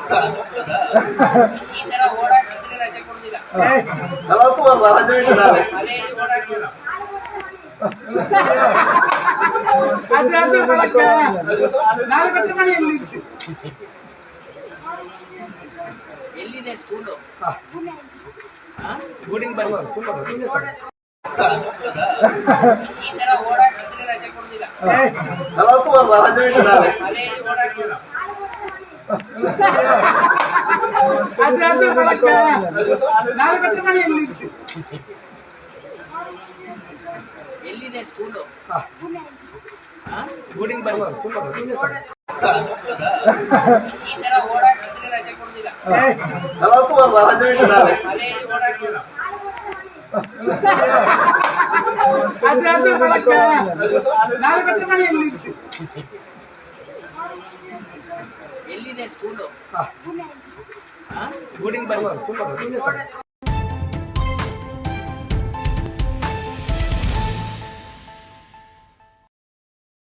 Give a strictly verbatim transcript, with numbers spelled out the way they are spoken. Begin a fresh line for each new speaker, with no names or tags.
ಈ ತರ ಓಡಾಡ್ತಿದ್ರೆ ರಜೆ ಕೊಡುದಿಲ್ಲ. ಎಲ್ಲಿದೆ ಸ್ಕೂಲು? ಈ ತರ ಓಡಾಡ್ತಿದ್ರೆ ರಜೆ ಕೊಡುದಿಲ್ಲ. ಎಲ್ಲಿದೆ ಸ್ಕೂಲು? ಈ ತರ ಓಡಾಡ್ತಿದ್ರೆ ರಜೆ ಕೊಡುದಿಲ್ಲ. ಎಲ್ಲಿದೆ ಸ್ಕೂಲು?